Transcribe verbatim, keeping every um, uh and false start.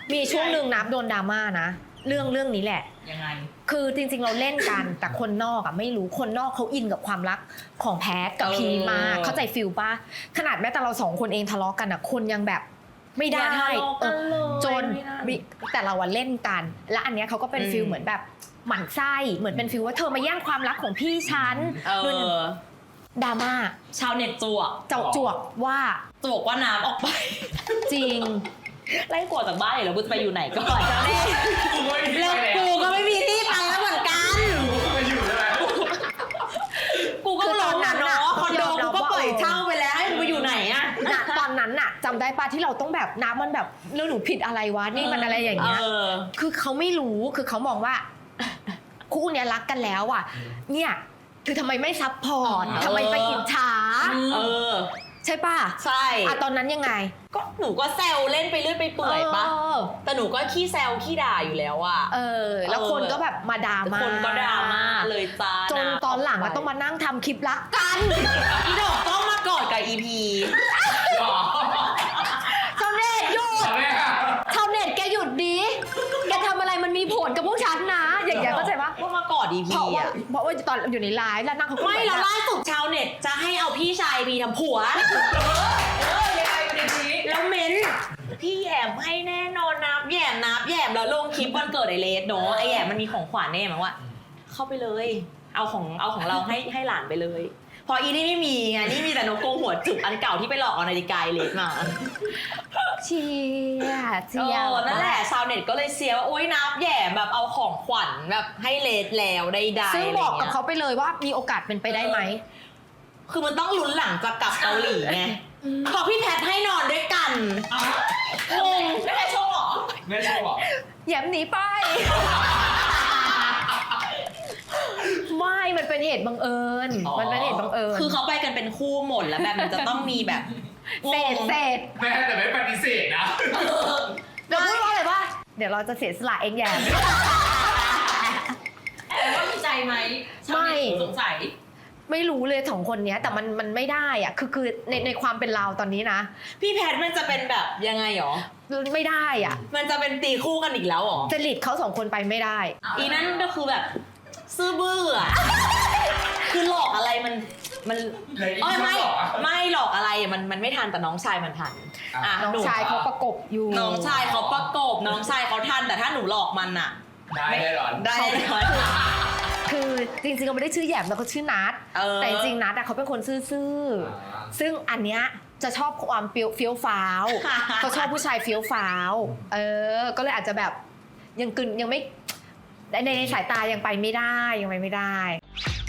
มีช่วงหนึ่งนับโดนดราม่านะเรื่องเรื่องนี้แหละยังไงคือจริงๆเราเล่นกัน แต่คนนอกอ่ะไม่รู้คนนอกเขาอินกับความรักของแพทกับพีมากเข้าใจฟิลป่ะขนาดแม้แต่เราสองคนเองทะเลาะกันอ่ะคนยังแบบไม่ได้จนแต่เราอะเล่นกันและอันเนี้ยเขาก็เป็นฟิลเหมือนแบบหมั่นไส้เหมือนเป็นฟิลว่าเธอมาแย่งความรักของพี่ฉันดราม่าชาวเน็ตจวกเจ้าจวกว่าจวกว่าน้ำออกไปจริงไล่กวดจากบ้านแล้วกูจะไปอยู่ไหนก่อนจะเล่นแล้วกูก็ไม่มีที่ไปแล้วเหมือนกันกูไปอยู่แล้วกูก็รอนั้นเนาะคอนโดกูก็ปล่อยเช่าไปแล้วให้กูไปอยู่ไหนอะตอนนั้นน่ะจำได้ปะที่เราต้องแบบน้ำมันแบบเรื่องหนูผิดอะไรวะนี่มันอะไรอย่างเงี้ยคือเขาไม่รู้คือเขามองว่าคู่เนี้ยรักกันแล้วอ่ะเนี่ยคือทำไมไม่ซัพพอร์ตทำไมไปอิจฉาเออใช่ป่ะใช่อะตอนนั้นยังไงก็หนูก็แซวเล่นไปเรื่อยไปเปื่อยปะแต่หนูก็ขี้แซวขี้ด่าอยู่แล้วอะเออแล้วคนก็แบบมาด่ามาคนก็ด่ามาเลยจ้าจนตอนหลังก็ต้องมานั่งทำคลิปรักกันอีดอกต้องมากอดกับอีพีชาวเน็ตหยุดชาวเน็ตแกหยุดดิแกทำอะไรมันมีผลกับพวกฉันนะอย่างเงี้ยเข้าใจปะว่ามากอดอีพีอะเพราะว่าตอนอยู่ในไลฟ์แล้วนั่งเขาไม่แล้วล่าสุดชาวเน็ตจะให้เอาพี่ชายพีทำผัวแล้วเม้นพี่แยมให้แน่นอนนับแยมนับแยมแล้วลงคลิปวันเกิดไอเลสเนาะไอแยมมันมีของขวัญแน่มั้งว่าเข้าไปเลยเอาของเอาของเราให้ให้หลานไปเลยพออีนี่ไม่มีไงนี่มีแต่นกกรงหัวจุกอันเก่าที่ไปหลอกเอานาฬิกาเลสมาเชียเชียนั่นแหละชาวเน็ตก็เลยเชียร์ว่าโอ๊ยนับแย่แบบเอาของขวัญแบบให้เลสแล้วได้ได้ซึ่งบอกกับเขาไปเลยว่ามีโอกาสเป็นไปได้ไหมคือมันต้องลุ้นหลังจากกลับเกาหลีไงพอพี่แพทให้นอนด้วยกันงงไม่ได้โชว์หรอไม่ได้โชว์หรอแย้มหนีไปไม่มันเป็นเหตุบังเอิญมันเป็นเหตุบังเอิญคือเขาไปกันเป็นคู่หมดแล้วแบบมันจะต้องมีแบบเศษเศษแม่แต่ไม่ปฏิเสธนะเดี๋ยวพูดว่าอะไรวะเดี๋ยวเราจะเสียสละเองแย่แต่ว่ามีใจไหมไม่สงสัยไม่รู้เลยสองคนนี้แต่มันมันไม่ได้อ่ะคือคือในในความเป็นเราตอนนี้นะพี่แพทมันจะเป็นแบบยังไงหรอไม่ได้อ่ะมันจะเป็นตีคู่กันอีกแล้วหรอจริตเขาสองคนไปไม่ได้อีนั่นก็คือแบบซื่อบื้ออ่ะคือหลอกอะไรมันมันเอ้ยไม่ไม่หลอกอะไรมันมันไม่ทันแต่น้องชายมันทันอ่ะน้องชายเขาประกบอยู่น้องชายเขาประกบน้องชายเขาทันแต่ถ้าหนูหลอกมันอ่ะได้แน่นอนได้แน่นอนคือจริงๆเขาไม่ได้ชื่อแยมแต่เขาชื่อนัทแต่จริงๆนัทอะเขาเป็นคนซื่อๆซึ่งอันเนี้ยจะชอบความเฟี้ยวฟ้าวเขาชอบผู้ชายเฟี้ยวฟ้าวเออก็เลยอาจจะแบบยังกึนยังไม่ในในสายตายังไปไม่ได้ยังไปไม่ได้